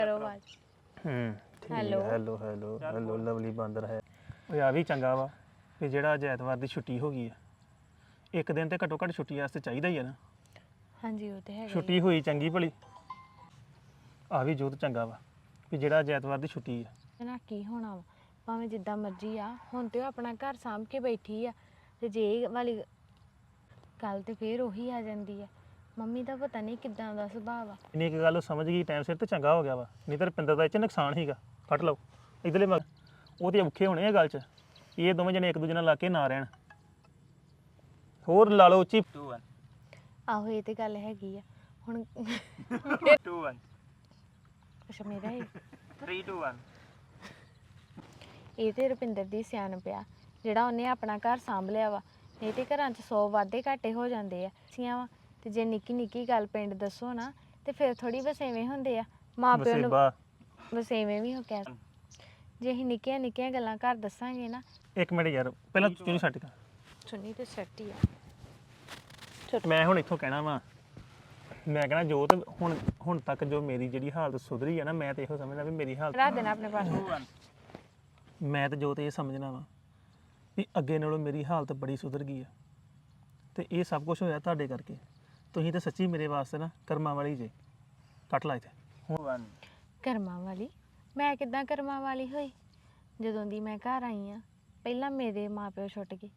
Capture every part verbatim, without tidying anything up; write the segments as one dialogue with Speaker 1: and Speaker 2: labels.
Speaker 1: ਕਰੋ ਆਵਾਜ਼
Speaker 2: ਹੂੰ ਠੀਕ ਹੈ
Speaker 1: Hello.
Speaker 2: Hello hello hello lovely ਬਾਂਦਰ ਹੈ ਉਹ ਆ ਵੀ ਚੰਗਾ ਵਾ ਕਿ ਜਿਹੜਾ ਅੱਜ ਐਤਵਾਰ ਦੀ ਛੁੱਟੀ ਹੋ ਗਈ ਆ ਇੱਕ ਦਿਨ ਤੇ ਘੱਟੋ ਘੱਟ ਛੁੱਟੀ ਵਾਸਤੇ ਚਾਹੀਦਾ ਹੀ ਆ ਨਾ
Speaker 1: ਹਾਂਜੀ ਉਹ ਤੇ ਹੈਗਾ ਹੀ
Speaker 2: ਛੁੱਟੀ ਹੋਈ ਚੰਗੀ ਭਲੀ ਆ ਵੀ ਜੋਤ ਚੰਗਾ ਵਾ ਕਿ ਜਿਹੜਾ ਅੱਜ ਐਤਵਾਰ ਦੀ ਛੁੱਟੀ ਆ
Speaker 1: ਆ। ਨਾ ਕੀ ਹੋਣਾ ਵਾ ਭਾਵੇਂ ਜਿੱਦਾਂ ਮਰਜ਼ੀ ਆ ਹੁਣ ਤੇ ਉਹ ਆਪਣਾ ਘਰ ਸਾਂਭ ਕੇ ਬੈਠੀ ਆ ਤੇ ਜੇ ਇਹ ਵਾਲੀ ਗੱਲ ਤੇ ਫੇਰ ਉਹੀ ਆ ਜਾਂਦੀ ਆ ਮੰਮੀ ਦਾ ਪਤਾ ਨਹੀਂ ਕਿੱਦਾਂ ਦਾ ਸੁਭਾਅ ਆ
Speaker 2: ਇੰਨੀ ਇੱਕ ਗੱਲ ਉਹ ਸਮਝ ਗਈ ਟਾਈਮ ਸਿਰ ਤੇ ਚੰਗਾ ਹੋ ਗਿਆ ਵਾ ਨਹੀਂ ਤਾਂ ਰੁਪਿੰਦਰ ਦਾ ਇਹ ਚ ਨੁਕਸਾਨ ਹੀਗਾ ਕੱਟ ਲਓ ਇਧਰਲੇ ਮਗ ਉਹ ਤੇ ਔਖੇ ਹੋਣੇ ਆ ਗੱਲ 'ਚ ਇਹ ਦੋਵੇਂ ਜਣੇ ਇੱਕ ਦੂਜੇ ਨਾਲ ਲਾ ਕੇ ਨਾ ਰਹਿਣ ਹੋਰ ਲਾ ਲਓ ਉੱਚੀ
Speaker 1: ਆਹੋ ਇਹ ਤੇ ਗੱਲ ਹੈਗੀ ਆ ਹੁਣ
Speaker 3: two one
Speaker 1: ਅੱਛਾ ਮੇਰਾ ਇਹ
Speaker 3: three two one
Speaker 1: ਇਹ ਤੇ ਰੁਪਿੰਦਰ ਦੀ ਸਿਆਣਪ ਆ ਜਿਹੜਾ ਉਹਨੇ ਆਪਣਾ ਘਰ ਸਾਂਭ ਲਿਆ ਵਾ ਨਹੀਂ ਤੇ ਘਰਾਂ 'ਚ ਸੌ ਵਾਧੇ ਘਾਟੇ ਹੋ ਜਾਂਦੇ ਆ ਸੀਆਂ ਵਾ ਤੇ ਜੇ ਨਿੱਕੀ ਨਿੱਕੀ ਗੱਲ ਪਿੰਡ ਦੱਸੋ ਨਾ ਤੇ ਫਿਰ ਥੋੜੀ ਵਸੇਵੇਂ ਹੁੰਦੇ ਆ ਮਾਂ ਪਿਓ ਨੂੰ
Speaker 2: ਵਸੇਬਾ
Speaker 1: ਵਸੇਵੇਂ ਵੀ ਹੋ ਕਹਿ ਜੇ ਅਸੀਂ ਨਿੱਕੀਆਂ ਨਿੱਕੀਆਂ ਗੱਲਾਂ ਘਰ ਦੱਸਾਂਗੇ ਨਾ
Speaker 2: ਇੱਕ ਮਿੰਟ ਯਾਰ ਪਹਿਲਾਂ ਤੂੰ ਛੱਡ ਕੇ
Speaker 1: ਸੁਣੀ ਤੇ ਸੱਟ ਹੀ ਆ
Speaker 2: ਮੈਂ ਹੁਣ ਇੱਥੋਂ ਕਹਿਣਾ ਵਾ ਮੈਂ ਕਹਿਣਾ ਜੋਤ ਹੁਣ ਹੁਣ ਤੱਕ ਜੋ ਮੇਰੀ ਜਿਹੜੀ ਹਾਲਤ ਸੁਧਰੀ ਆ ਨਾ ਮੈਂ ਤੇ ਇਹੋ ਸਮਝਦਾ ਵੀ ਮੇਰੀ ਹਾਲਤ
Speaker 1: ਰੱਖ ਦੇਣਾ ਆਪਣੇ ਪਾਸ
Speaker 2: ਮੈਂ ਤੇ ਜੋਤ ਇਹ ਸਮਝਣਾ ਵਾ ਵੀ ਅੱਗੇ ਨਾਲੋਂ ਮੇਰੀ ਹਾਲਤ ਬੜੀ ਸੁਧਰ ਗਈ ਆ ਤੇ ਇਹ ਸਭ ਕੁਝ ਹੋਇਆ ਤੁਹਾਡੇ ਕਰਕੇ ਤੁਸੀਂ ਤਾਂ ਸੱਚੀ ਮੇਰੇ ਵਾਸਤੇ ਨਾ ਕਰਮਾਂ ਵਾਲੀ ਜੇ ਕੱਟ ਲਾ ਇੱਥੇ
Speaker 3: one
Speaker 1: ਕਰਮਾਂ ਵਾਲੀ ਮੈਂ ਕਿੱਦਾਂ ਕਰਮਾਂ ਵਾਲੀ ਹੋਈ ਜਦੋਂ ਦੀ ਮੈਂ ਘਰ ਆਈ ਆ ਪਹਿਲਾਂ ਮੇਰੇ ਮਾਪਿਓ ਛੁੱਟ ਗਏ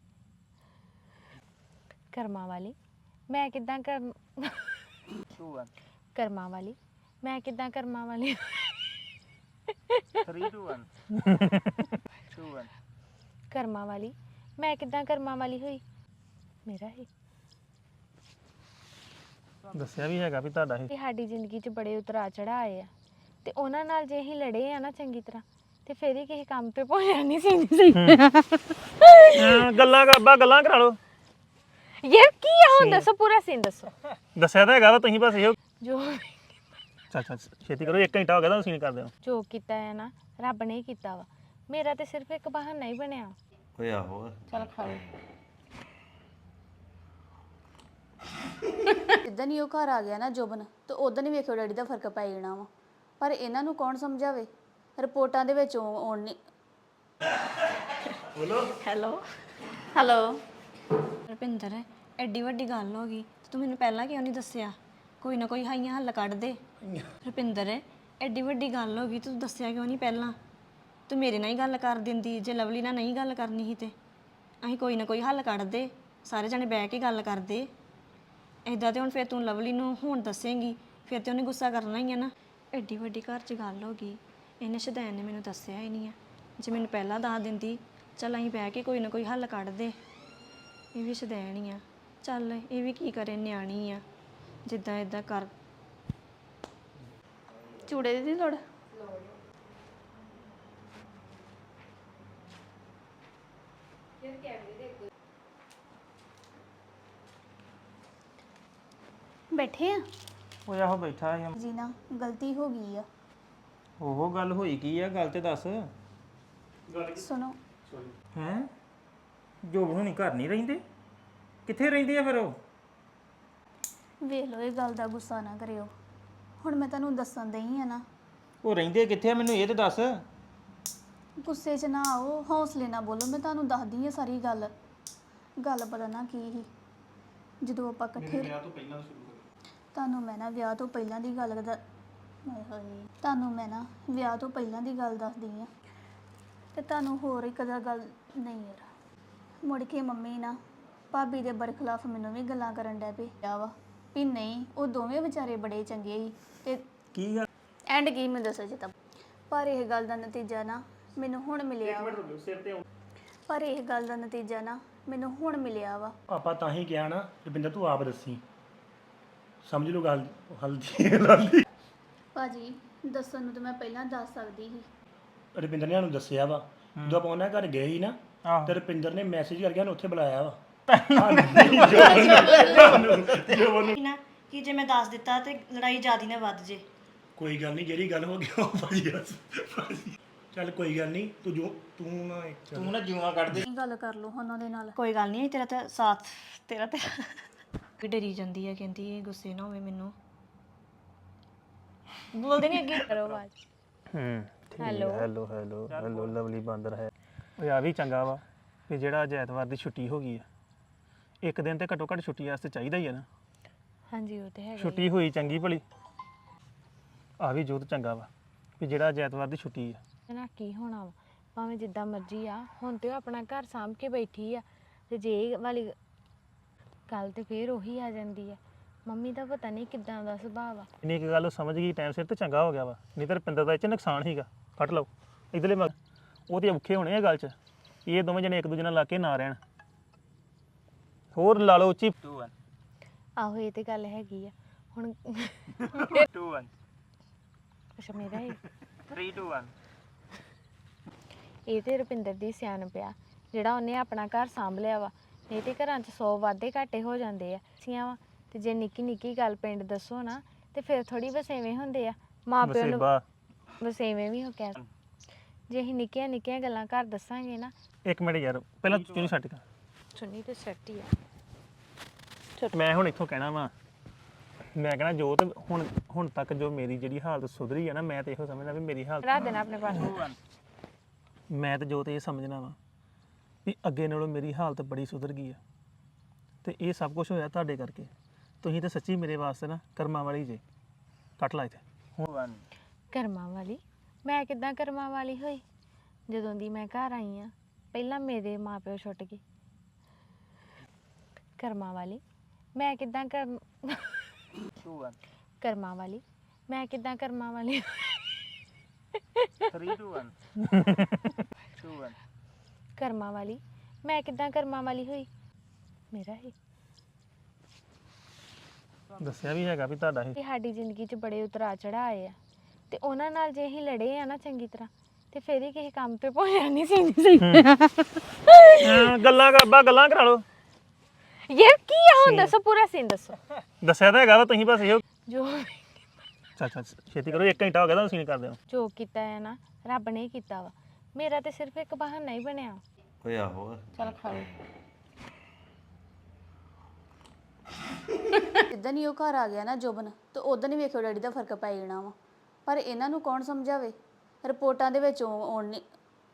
Speaker 1: ਕਰਮਾਂ ਵਾਲੀ ਮੈਂ ਕਿੱਦਾਂ ਕਰ
Speaker 3: two one
Speaker 1: ਕਰਮਾਂ ਵਾਲੀ ਮੈਂ ਕਿੱਦਾਂ ਕਰਮਾਂ ਵਾਲੀ
Speaker 3: three two one two one
Speaker 1: ਕਰਮਾਂ ਵਾਲੀ ਮੈਂ ਕਿੱਦਾਂ ਕਰਮਾਂ ਵਾਲੀ ਹੋਈ ਮੇਰਾ ਹੀ
Speaker 2: ਦੱਸਿਆ ਵੀ ਹੈਗਾ ਵੀ ਤੁਹਾਡਾ ਇਹ
Speaker 1: ਤੇ ਸਾਡੀ ਜ਼ਿੰਦਗੀ 'ਚ ਬੜੇ ਉਤਰਾ ਚੜਾ ਆਏ ਆ ਤੇ ਉਹਨਾਂ ਨਾਲ ਜੇ ਅਸੀਂ ਲੜੇ ਆ ਨਾ ਚੰਗੀ ਤਰ੍ਹਾਂ ਤੇ ਫੇਰ ਹੀ ਕਿਸੇ ਕੰਮ ਤੇ ਪਹੁੰਚਿਆ ਨਹੀਂ ਸੀ ਸਹੀ
Speaker 2: ਹਾਂ, ਗੱਲਾਂ ਕਰਬਾ ਗੱਲਾਂ ਕਰਾ ਲਓ
Speaker 1: ਯਾਰ ਕੀ ਆ ਹੁਣ ਦੱਸੋ ਪੂਰਾ ਸੀਨ ਦੱਸੋ
Speaker 2: ਦੱਸਿਆ ਤਾਂ ਹੈਗਾ ਵਾ ਤੁਸੀਂ ਬਸ ਇਹੋ
Speaker 1: ਜੋ
Speaker 2: ਚੱਲ ਚੱਲ ਛੇਤੀ ਕਰੋ ਇੱਕ ਘੰਟਾ ਹੋ ਗਿਆ ਤਾਂ ਸੀਨ ਕਰਦੇ ਹੋ
Speaker 1: ਜੋ ਕੀਤਾ ਹੈ ਨਾ ਰੱਬ ਨੇ ਹੀ ਕੀਤਾ ਵਾ ਮੇਰਾ ਤੇ ਸਿਰਫ ਇੱਕ ਬਹਾਨਾ ਹੀ ਬਣਿਆ
Speaker 4: ਓਏ ਆਹੋ
Speaker 1: ਚਲ ਖਾ ਲਓ
Speaker 5: ਜਿੱਦਣ ਹੀ ਉਹ ਘਰ ਆ ਗਿਆ ਨਾ ਜੁਬਨ ਤੇ ਉਦੋਂ ਹੀ ਵੇਖਿਓ ਡੈਡੀ ਦਾ ਫਰਕ ਪੈ ਜਾਣਾ ਵਾ ਪਰ ਇਹਨਾਂ ਨੂੰ ਕੌਣ ਸਮਝਾਵੇ ਰਿਪੋਰਟਾਂ ਦੇ ਵਿੱਚ ਆਉਣ ਨਹੀਂ
Speaker 6: ਹੈਲੋ
Speaker 5: ਹੈਲੋ
Speaker 6: ਰੁਪਿੰਦਰ ਐਡੀ ਵੱਡੀ ਗੱਲ ਹੋ ਗਈ ਤੇ ਤੂੰ ਮੈਨੂੰ ਪਹਿਲਾਂ ਕਿਉਂ ਨਹੀਂ ਦੱਸਿਆ ਕੋਈ ਨਾ ਕੋਈ ਹਾਈਆਂ ਹੱਲ ਕੱਢ ਦੇ ਰੁਪਿੰਦਰ ਐਡੀ ਵੱਡੀ ਗੱਲ ਹੋ ਗਈ ਤੂੰ ਦੱਸਿਆ ਕਿਉਂ ਨਹੀਂ ਪਹਿਲਾਂ ਤੂੰ ਮੇਰੇ ਨਾਲ ਹੀ ਗੱਲ ਕਰ ਦਿੰਦੀ ਜੇ ਲਵਲੀ ਨਾਲ ਨਹੀਂ ਗੱਲ ਕਰਨੀ ਸੀ ਤੇ ਅਸੀਂ ਕੋਈ ਨਾ ਕੋਈ ਹੱਲ ਕੱਢਦੇ ਸਾਰੇ ਜਣੇ ਬਹਿ ਕੇ ਗੱਲ ਕਰਦੇ ਇਦਾਂ ਤੇ ਹੁਣ ਫਿਰ ਤੂੰ ਲਵਲੀ ਨੂੰ ਹੁਣ ਦੱਸੇਂਗੀ ਫਿਰ ਤੇ ਉਹਨੇ ਗੁੱਸਾ ਕਰਨਾ ਹੀ ਆ ਨਾ ਐਡੀ ਵੱਡੀ ਘਰ 'ਚ ਗੱਲ ਹੋ ਗਈ ਇਹਨੇ ਸ਼ਦੈਨ ਨੇ ਮੈਨੂੰ ਦੱਸਿਆ ਹੀ ਨਹੀਂ ਆ ਜੇ ਮੈਨੂੰ ਪਹਿਲਾਂ ਦੱਸ ਦਿੰਦੀ ਚੱਲ ਅਸੀਂ ਬਹਿ ਕੇ ਕੋਈ ਨਾ ਕੋਈ ਹੱਲ ਕੱਢਦੇ ਇਹ ਵੀ ਸ਼ਦੈਨ ਹੀ ਆ ਚੱਲ ਇਹ ਵੀ ਕੀ ਕਰੇ ਨਿਆਣੀ ਆ ਜਿੱਦਾਂ ਇਦਾਂ ਕਰ
Speaker 5: ਚੂੜੇ ਦੀ ਲੋੜ ਬੈਠੇ ਆ
Speaker 3: ਉਹ ਆਹੋ ਬੈਠਾ ਆ
Speaker 5: ਜੀ ਨਾ ਗਲਤੀ ਹੋ ਗਈ ਆ
Speaker 3: ਉਹ ਗੱਲ ਹੋਈ ਕੀ ਆ ਗੱਲ ਤੇ ਦੱਸ
Speaker 5: ਸੁਣੋ
Speaker 3: ਹੈ ਜੋਬ ਹੁਣੀ ਘਰ ਨਹੀਂ ਰਹਿੰਦੇ ਕਿੱਥੇ ਰਹਿੰਦੇ ਆ ਫਿਰ ਉਹ
Speaker 5: ਵੇਖ ਲਓ ਇਹ ਗੱਲ ਦਾ ਗੁੱਸਾ ਨਾ ਕਰਿਓ ਹੁਣ ਮੈਂ ਤੁਹਾਨੂੰ ਦੱਸਣ ਦਈ ਆ ਨਾ
Speaker 3: ਉਹ ਰਹਿੰਦੇ ਕਿੱਥੇ ਆ ਮੈਨੂੰ ਇਹ ਤੇ ਦੱਸ
Speaker 5: ਗੁੱਸੇ 'ਚ ਨਾ ਆਓ ਹੌਸਲੇ ਨਾਲ ਬੋਲੋ ਮੈਂ ਤੁਹਾਨੂੰ ਦੱਸਦੀ ਆ ਸਾਰੀ ਗੱਲ ਗੱਲ ਪਤਾ ਨਾ ਕੀ ਸੀ ਜਦੋਂ ਆਪਾਂ ਇਕੱਠੇ ਤੁਹਾਨੂੰ ਮੈਂ ਨਾ ਵਿਆਹ ਤੋਂ ਪਹਿਲਾਂ ਦੀ ਗੱਲ ਦਾ ਹਾਏ ਹਾਏ ਤੁਹਾਨੂੰ ਮੈਂ ਨਾ ਵਿਆਹ ਤੋਂ ਪਹਿਲਾਂ ਦੀ ਗੱਲ ਦੱਸਦੀ ਆ ਤੇ ਤੁਹਾਨੂੰ ਹੋਰ ਇੱਕ ਦਾ ਗੱਲ ਨਹੀਂ ਯਾਰ ਮੁੜ ਕੇ ਮੰਮੀ ਨਾ ਭਾਬੀ ਦੇ ਬਰਖਲਾਫ ਮੈਨੂੰ ਵੀ ਗੱਲਾਂ ਕਰਨ ਡੈ ਪਈ ਆ ਵਾ ਵੀ ਨਹੀਂ ਉਹ ਦੋਵੇਂ ਵਿਚਾਰੇ ਬੜੇ ਚੰਗੇ ਸੀ ਤੇ
Speaker 3: ਕੀ ਗੱਲ
Speaker 5: ਐਂਡ ਕੀ ਮੈਂ ਦੱਸਾਂ ਜੀ ਤਾਂ ਪਰ ਇਹ ਗੱਲ ਦਾ ਨਤੀਜਾ ਨਾ ਮੈਨੂੰ ਹੁਣ ਮਿਲਿਆ ਵਾ ਪਰ ਇਹ ਗੱਲ ਦਾ ਨਤੀਜਾ ਨਾ ਮੈਨੂੰ ਹੁਣ ਮਿਲਿਆ ਵਾ
Speaker 7: ਆਪਾਂ ਤਾਂ ਹੀ ਕਿਹਾ ਨਾ ਰੁਪਿੰਦਰ ਤੂੰ ਆਪ ਦੱਸੀ ਸਮਝ ਲਓ ਗੱਲ ਹਲਦੀ ਹਲਦੀ
Speaker 5: ਭਾਜੀ ਦੱਸਣ ਨੂੰ ਤਾਂ ਮੈਂ ਪਹਿਲਾਂ ਦੱਸ ਸਕਦੀ ਸੀ
Speaker 7: ਰੁਪਿੰਦਰ ਨੇ ਸਾਨੂੰ ਦੱਸਿਆ ਵਾ ਜਦੋਂ ਆਪਾਂ ਉਹਨਾਂ ਘਰ ਗਏ ਸੀ ਨਾ
Speaker 3: ਆਹੋ।
Speaker 7: ਤੇ ਰੁਪਿੰਦਰ ਨੇ ਮੈਸੇਜ ਕਰਕੇ ਸਾਨੂੰ ਉੱਥੇ ਬੁਲਾਇਆ ਵਾ
Speaker 6: ਨਾ ਕਿ ਜੇ ਮੈਂ ਦੱਸ ਦਿੱਤਾ ਤੇ ਲੜਾਈ ਜ਼ਿਆਦੀ ਨਾ ਵੱਧ ਜੇ
Speaker 7: ਕੋਈ ਗੱਲ ਨਹੀਂ ਜਿਹੜੀ ਗੱਲ ਹੋ ਗਈ ਉਹ ਭਾਜੀ ਭਾਜੀ ਚੱਲ ਕੋਈ ਗੱਲ ਨਹੀਂ ਤੂੰ ਜੋ ਤੂੰ ਨਾ ਇੱਕ
Speaker 3: ਤੂੰ ਨਾ ਜੂਆਂ ਕੱਢ ਦੇ
Speaker 5: ਗੱਲ ਕਰ ਲਓ ਉਹਨਾਂ ਦੇ ਨਾਲ
Speaker 6: ਕੋਈ ਗੱਲ ਨਹੀਂ ਤੇਰਾ ਤਾਂ ਸਾਥ ਤੇਰਾ ਤੇ ਵੀ ਡਰੀ ਜਾਂਦੀ ਹੈ ਕਹਿੰਦੀ ਇਹ ਗੁੱਸੇ ਨਾ ਹੋਵੇ ਮੈਨੂੰ ਬੋਲਦੇ ਨਹੀਂ ਅੱਗੇ
Speaker 1: ਕਰੋ ਆਵਾਜ਼।
Speaker 2: ਹੂੰ
Speaker 1: hello
Speaker 2: hello hello hello lovely ਬਾਂਦਰ ਹੈ ਉਹ ਆ ਵੀ ਚੰਗਾ ਵਾ ਕਿ ਜਿਹੜਾ ਅੱਜ ਐਤਵਾਰ ਦੀ ਛੁੱਟੀ ਹੋ ਗਈ ਆ ਇੱਕ ਦਿਨ ਤੇ ਘੱਟੋ ਘੱਟ ਛੁੱਟੀ ਵਾਸਤੇ ਚਾਹੀਦਾ ਹੀ ਆ ਨਾ
Speaker 1: ਹਾਂਜੀ ਉਹ ਤੇ ਹੈਗਾ ਹੀ
Speaker 2: ਛੁੱਟੀ ਹੋਈ ਚੰਗੀ ਭਲੀ ਆ ਵੀ ਜੋਤ ਚੰਗਾ ਵਾ ਕਿ ਜਿਹੜਾ ਅੱਜ ਐਤਵਾਰ ਦੀ ਛੁੱਟੀ ਆ
Speaker 1: ਆ। ਨਾ ਕੀ ਹੋਣਾ ਵਾ ਭਾਵੇਂ ਜਿੱਦਾਂ ਮਰਜ਼ੀ ਆ ਹੁਣ ਤੇ ਉਹ ਆਪਣਾ ਘਰ ਸਾਂਭ ਕੇ ਬੈਠੀ ਆ ਤੇ ਜੇ ਇਹ ਵਾਲੀ ਗੱਲ ਤੇ ਫੇਰ ਉਹੀ ਆ ਜਾਂਦੀ ਆ ਮੰਮੀ ਦਾ ਪਤਾ ਨਹੀਂ ਕਿੱਦਾਂ ਦਾ ਸੁਭਾਅ ਆ।
Speaker 2: ਇੰਨੀ ਕੁ ਗੱਲ ਉਹ ਸਮਝ ਗਈ ਟਾਈਮ ਸਿਰ ਤੇ ਚੰਗਾ ਹੋ ਗਿਆ ਵਾ ਨਹੀਂ ਤਾਂ ਰੁਪਿੰਦਰ ਦਾ ਇਹ ਚ ਨੁਕਸਾਨ ਹੀਗਾ ਫੜ ਲਓ ਇਧਰਲੇ ਮਗ ਉਹ ਤੇ ਔਖੇ ਹੋਣੇ ਆ ਗੱਲ 'ਚ ਇਹ ਦੋਵੇਂ ਜਣੇ ਇੱਕ ਦੂਜੇ ਨਾਲ ਲਾ ਕੇ ਨਾ ਰਹਿਣ ਹੋਰ ਲਾ ਲਓ ਉੱਚੀ
Speaker 1: ਆਹੋ ਇਹ ਤੇ ਗੱਲ ਹੈਗੀ ਆ ਹੁਣ
Speaker 3: ਟੂ ਵਨ
Speaker 1: ਅੱਛਾ ਮੇਰਾ ਇਹ
Speaker 3: ਥ੍ਰੀ ਟੂ ਵਨ
Speaker 1: ਇਹ ਤੇ ਰੁਪਿੰਦਰ ਦੀ ਸਿਆਣਪ ਆ ਜਿਹੜਾ ਉਹਨੇ ਆਪਣਾ ਘਰ ਸਾਂਭ ਲਿਆ ਵਾ ਨਹੀਂ ਤੇ ਘਰਾਂ 'ਚ ਸੌ ਵਾਧੇ ਘਾਟੇ ਹੋ ਜਾਂਦੇ ਆ ਸੀਆਂ ਵਾ ਤੇ ਜੇ ਨਿੱਕੀ ਨਿੱਕੀ ਗੱਲ ਪਿੰਡ ਦੱਸੋ ਨਾ ਤੇ ਫਿਰ ਥੋੜੀ ਵਸੇਵੇਂ ਹੁੰਦੇ ਆ ਮਾਂ ਪਿਓ ਨੂੰ
Speaker 2: ਵਸੇਬਾ
Speaker 1: ਵਸੇਵੇਂ ਵੀ ਹੋ ਕਹਿ ਜੇ ਅਸੀਂ ਨਿੱਕੀਆਂ ਨਿੱਕੀਆਂ ਗੱਲਾਂ ਘਰ ਦੱਸਾਂਗੇ ਨਾ
Speaker 2: ਇੱਕ ਮਿੰਟ ਯਾਰ ਪਹਿਲਾਂ ਚੁਣੀ ਛੱਡ ਕੇ
Speaker 1: ਸੁਣੀ ਤੇ ਸੱਟ ਹੀ ਆ
Speaker 2: ਮੈਂ ਹੁਣ ਇੱਥੋਂ ਕਹਿਣਾ ਵਾ ਮੈਂ ਕਹਿਣਾ ਜੋਤ ਹੁਣ ਹੁਣ ਤੱਕ ਜੋ ਮੇਰੀ ਜਿਹੜੀ ਹਾਲਤ ਸੁਧਰੀ ਆ ਨਾ ਮੈਂ ਤੇ ਇਹੋ ਸਮਝਦਾ ਵੀ ਮੇਰੀ ਹਾਲਤ
Speaker 1: ਰੱਖ ਦੇਣਾ ਆਪਣੇ ਪਾਸ
Speaker 2: ਮੈਂ ਤੇ ਜੋਤ ਇਹ ਸਮਝਣਾ ਵਾ ਵੀ ਅੱਗੇ ਨਾਲੋਂ ਮੇਰੀ ਹਾਲਤ ਬੜੀ ਸੁਧਰ ਗਈ ਆ ਤੇ ਇਹ ਸਭ ਕੁਝ ਹੋਇਆ ਤੁਹਾਡੇ ਕਰਕੇ ਤੁਸੀਂ ਤੇ ਸੱਚੀ ਮੇਰੇ ਵਾਸਤੇ ਨਾ ਕਰਮਾਂ ਵਾਲੀ ਜੇ ਕੱਟ ਲਾ ਇੱਥੇ ਹੁਣ
Speaker 1: ਕਰਮਾਂ ਵਾਲੀ ਮੈਂ ਕਿੱਦਾਂ ਕਰਮਾਂ ਵਾਲੀ ਹੋਈ ਜਦੋਂ ਦੀ ਮੈਂ ਘਰ ਆਈ ਆ ਪਹਿਲਾਂ ਮੇਰੇ ਮਾਪਿਓ ਛੁੱਟ ਗਏ ਕਰਮਾਂ ਵਾਲੀ ਮੈਂ ਕਿੱਦਾਂ ਕਰ ਕਰਮਾਂ ਵਾਲੀ ਮੈਂ ਕਿੱਦਾਂ ਕਰਮਾਂ ਵਾਲੀ
Speaker 3: three two one two one
Speaker 1: ਕਰਮਾਂ ਵਾਲੀ ਮੈਂ ਕਿੱਦਾਂ ਕਰਮਾਂ ਵਾਲੀ ਹੋਈ ਮੇਰਾ ਹੀ
Speaker 2: ਦੱਸਿਆ ਵੀ ਹੈਗਾ ਵੀ ਤੁਹਾਡਾ ਇਹ
Speaker 1: ਇਹ ਸਾਡੀ ਜ਼ਿੰਦਗੀ 'ਚ ਬੜੇ ਉਤਰਾ ਚੜਾ ਆਏ ਆ ਤੇ ਉਹਨਾਂ ਨਾਲ ਜੇ ਅਸੀਂ ਲੜੇ ਆ ਨਾ ਚੰਗੀ ਤਰ੍ਹਾਂ ਤੇ ਫਿਰ ਹੀ ਕਿਸੇ ਕੰਮ ਤੇ ਪਹੁੰਚਿਆ ਨਹੀਂ ਸੀ ਸਹੀ
Speaker 2: ਹਾਂ, ਗੱਲਾਂ ਕਰਬਾ ਗੱਲਾਂ ਕਰਾ ਲਓ
Speaker 1: ਯਾਰ ਕੀ ਆ ਹੁਣ ਦੱਸੋ ਪੂਰਾ ਸੀਨ ਦੱਸੋ
Speaker 2: ਦੱਸਿਆ ਤਾਂ ਹੈਗਾ ਵਾ ਤੁਸੀਂ ਬਸ ਇਹੋ
Speaker 1: ਜੋ
Speaker 2: ਚੱਲ ਚੱਲ ਛੇਤੀ ਕਰੋ ਇੱਕ ਘੰਟਾ ਹੋ ਗਿਆ ਤਾਂ ਸੀਨ ਕਰਦੇ ਹੋ
Speaker 1: ਜੋ ਕੀਤਾ ਹੈ ਨਾ ਰੱਬ ਨੇ ਹੀ ਕੀਤਾ ਵਾ ਮੇਰਾ ਤੇ ਸਿਰਫ ਇੱਕ ਬਹਾਨਾ ਹੀ ਬਣਿਆ
Speaker 3: ਓਏ ਆਹੋ
Speaker 1: ਚਲ ਖਾਓ
Speaker 5: ਜਿੱਦਾਂ ਹੀ ਉਹ ਘਰ ਆ ਗਿਆ ਨਾ ਜੋਬਨ ਤੇ ਉਦੋਂ ਹੀ ਵੇਖਿਓ ਡੈਡੀ ਦਾ ਫਰਕ ਪੈ ਜਾਣਾ ਵਾ ਪਰ ਇਹਨਾਂ ਨੂੰ ਕੌਣ ਸਮਝਾਵੇ ਰਿਪੋਰਟਾਂ ਦੇ ਵਿੱਚ ਉਹ ਆਉਣ ਨਹੀਂ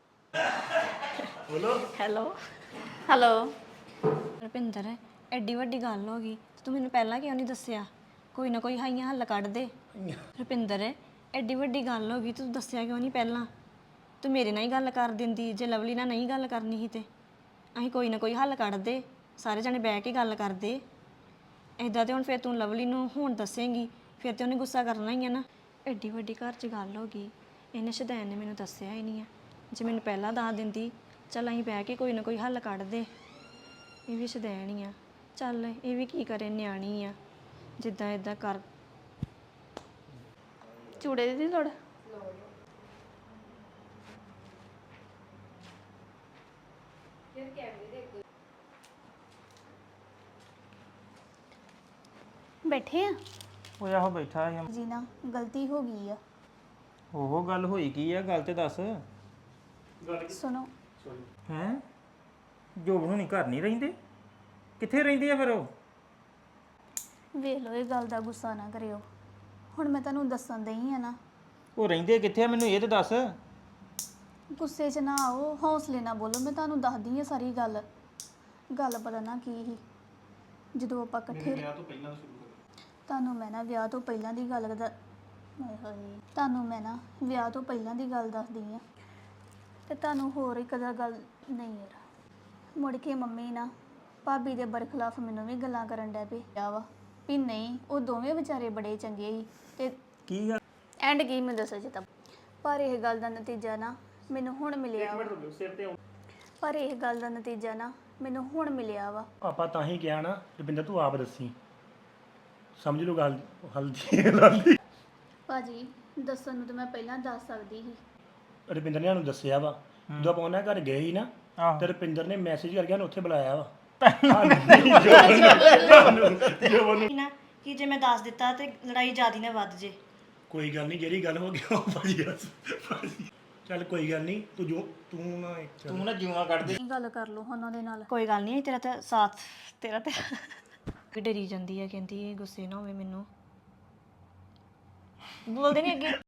Speaker 6: ਹੈਲੋ
Speaker 5: ਹੈਲੋ
Speaker 6: ਰੁਪਿੰਦਰ ਐਡੀ ਵੱਡੀ ਗੱਲ ਹੋ ਗਈ ਤੇ ਤੂੰ ਮੈਨੂੰ ਪਹਿਲਾਂ ਕਿਉਂ ਨਹੀਂ ਦੱਸਿਆ ਕੋਈ ਨਾ ਕੋਈ ਹਾਈਆਂ ਹੱਲ ਕੱਢ ਦੇ ਰੁਪਿੰਦਰ ਐਡੀ ਵੱਡੀ ਗੱਲ ਹੋ ਗਈ ਤੂੰ ਦੱਸਿਆ ਕਿਉਂ ਨਹੀਂ ਪਹਿਲਾਂ ਤੂੰ ਮੇਰੇ ਨਾਲ ਹੀ ਗੱਲ ਕਰ ਦਿੰਦੀ ਜੇ ਲਵਲੀ ਨਾਲ ਨਹੀਂ ਗੱਲ ਕਰਨੀ ਸੀ ਤੇ ਅਸੀਂ ਕੋਈ ਨਾ ਕੋਈ ਹੱਲ ਕੱਢਦੇ ਸਾਰੇ ਜਣੇ ਬਹਿ ਕੇ ਗੱਲ ਕਰਦੇ ਇਦਾਂ ਤੇ ਹੁਣ ਫਿਰ ਤੂੰ ਲਵਲੀ ਨੂੰ ਹੁਣ ਦੱਸੇਂਗੀ ਫਿਰ ਤੇ ਉਹਨੇ ਗੁੱਸਾ ਕਰਨਾ ਹੀ ਆ ਨਾ ਐਡੀ ਵੱਡੀ ਘਰ 'ਚ ਗੱਲ ਹੋ ਗਈ ਇਹਨੇ ਸ਼ਦੈਨ ਨੇ ਮੈਨੂੰ ਦੱਸਿਆ ਹੀ ਨਹੀਂ ਆ ਜੇ ਮੈਨੂੰ ਪਹਿਲਾਂ ਦੱਸ ਦਿੰਦੀ ਚੱਲ ਅਸੀਂ ਬਹਿ ਕੇ ਕੋਈ ਨਾ ਕੋਈ ਹੱਲ ਕੱਢਦੇ ਇਹ ਵੀ ਸ਼ਦੈਨ ਹੀ ਆ ਚੱਲ ਇਹ ਵੀ ਕੀ ਕਰੇ ਨਿਆਣੀ ਆ ਜਿੱਦਾਂ ਇਦਾਂ ਕਰ
Speaker 5: ਚੂੜੇ ਦੀ ਲੋੜ ਬੈਠੇ ਆ
Speaker 3: ਓਏ ਆਹੋ ਬੈਠਾ ਸੀ
Speaker 5: ਜੀ ਨਾ ਗਲਤੀ ਹੋ ਗਈ ਆ
Speaker 3: ਉਹ ਗੱਲ ਹੋਈ ਕੀ ਆ ਗੱਲ ਤੇ ਦੱਸ
Speaker 5: ਸੁਣੋ
Speaker 3: ਹੈ ਜੋਬ ਹੁਣੀ ਘਰ ਨਹੀਂ ਰਹਿੰਦੇ ਕਿੱਥੇ ਰਹਿੰਦੇ ਆ ਫਿਰ ਉਹ
Speaker 5: ਵੇਖ ਲਓ ਇਹ ਗੱਲ ਦਾ ਗੁੱਸਾ ਨਾ ਕਰਿਓ ਹੁਣ ਮੈਂ ਤੁਹਾਨੂੰ ਦੱਸਣ ਦਈ ਆ ਨਾ
Speaker 3: ਉਹ ਰਹਿੰਦੇ ਕਿੱਥੇ ਆ ਮੈਨੂੰ ਇਹ ਤੇ ਦੱਸ
Speaker 5: ਗੁੱਸੇ 'ਚ ਨਾ ਆਓ ਹੌਸਲੇ ਨਾਲ ਬੋਲੋ ਮੈਂ ਤੁਹਾਨੂੰ ਦੱਸਦੀ ਆ ਸਾਰੀ ਗੱਲ ਗੱਲ ਪਤਾ ਨਾ ਕੀ ਸੀ ਜਦੋਂ ਆਪਾਂ ਇਕੱਠੇ ਵਿਆਹ ਤੋਂ ਪਹਿਲਾਂ ਸ਼ੁਰੂ ਕਰੋ ਤੁਹਾਨੂੰ ਮੈਂ ਨਾ ਵਿਆਹ ਤੋਂ ਪਹਿਲਾਂ ਦੀ ਗੱਲ ਦਾ ਹਾਏ ਹਾਏ ਤੁਹਾਨੂੰ ਮੈਂ ਨਾ ਵਿਆਹ ਤੋਂ ਪਹਿਲਾਂ ਦੀ ਗੱਲ ਦੱਸਦੀ ਆ ਤੇ ਤੁਹਾਨੂੰ ਹੋਰ ਇੱਕ ਦਾ ਗੱਲ ਨਹੀਂ ਯਾਰ ਮੁੜ ਕੇ ਮੰਮੀ ਨਾ ਭਾਬੀ ਦੇ ਬਰਖਲਾਫ ਮੈਨੂੰ ਵੀ ਗੱਲਾਂ ਕਰਨ ਡੈ ਪਈ ਆ ਵਾ ਵੀ ਨਹੀਂ ਉਹ ਦੋਵੇਂ ਵਿਚਾਰੇ ਬੜੇ ਚੰਗੇ ਸੀ ਤੇ
Speaker 3: ਕੀ ਗੱਲ
Speaker 5: ਐਂਡ ਕੀ ਮੈਂ ਦੱਸਾਂ ਜਿੱਦਾਂ ਪਰ ਇਹ ਗੱਲ ਦਾ ਨਤੀਜਾ ਨਾ ਮੈਨੂੰ ਹੁਣ ਮਿਲਿਆ ਵਾ ਪਰ ਇਹ ਗੱਲ ਦਾ ਨਤੀਜਾ ਨਾ ਮੈਨੂੰ ਹੁਣ ਮਿਲਿਆ ਵਾ
Speaker 7: ਆਪਾਂ ਤਾਂ ਹੀ ਕਿਹਾ ਨਾ ਰਵਿੰਦਰ ਤੂੰ ਆਪ ਦੱਸੀ ਸਮਝ ਲਓ ਗੱਲ ਹਲਦੀ ਹਲਦੀ
Speaker 5: ਭਾਜੀ ਦੱਸਣ ਨੂੰ ਤਾਂ ਮੈਂ ਪਹਿਲਾਂ ਦੱਸ ਸਕਦੀ ਸੀ
Speaker 7: ਰਵਿੰਦਰ ਨੇ ਸਾਨੂੰ ਦੱਸਿਆ ਵਾ ਜਦੋਂ ਆਪਾਂ ਉਹਨਾਂ ਘਰ ਗਏ ਸੀ ਨਾ ਤੇ ਰਵਿੰਦਰ ਨੇ ਮੈਸੇਜ ਕਰਕੇ ਉਹਨੂੰ ਉੱਥੇ ਬੁਲਾਇਆ ਵਾ
Speaker 6: ਨਾ ਕਿ ਜੇ ਮੈਂ ਦੱਸ ਦਿੱਤਾ ਤੇ ਲੜਾਈ ਜ਼ਿਆਦੀ ਨਾ ਵੱਧ ਜੇ
Speaker 7: ਕੋਈ ਗੱਲ ਨਹੀਂ ਜਿਹੜੀ ਗੱਲ ਹੋ ਗਈ ਉਹ ਭਾਜੀ ਦੱਸ ਭਾਜੀ ਚੱਲ ਕੋਈ ਗੱਲ ਨਹੀਂ ਤੂੰ ਜੋ ਤੂੰ ਨਾ ਤੂੰ ਨਾ ਜਿਉਣਾ ਕੱਢ ਦੇ
Speaker 5: ਇਹ ਗੱਲ ਕਰ ਲਓ ਉਹਨਾਂ ਦੇ ਨਾਲ
Speaker 6: ਕੋਈ ਗੱਲ ਨਹੀਂ ਤੇਰਾ ਤਾਂ ਸਾਥ ਤੇਰਾ ਤੇ ਵੀ ਡਰੀ ਜਾਂਦੀ ਹੈ ਕਹਿੰਦੀ ਇਹ ਗੁੱਸੇ ਨਾ ਹੋਵੇ ਮੈਨੂੰ ਬੋਲਦੇ ਨਹੀਂ ਅੱਗੇ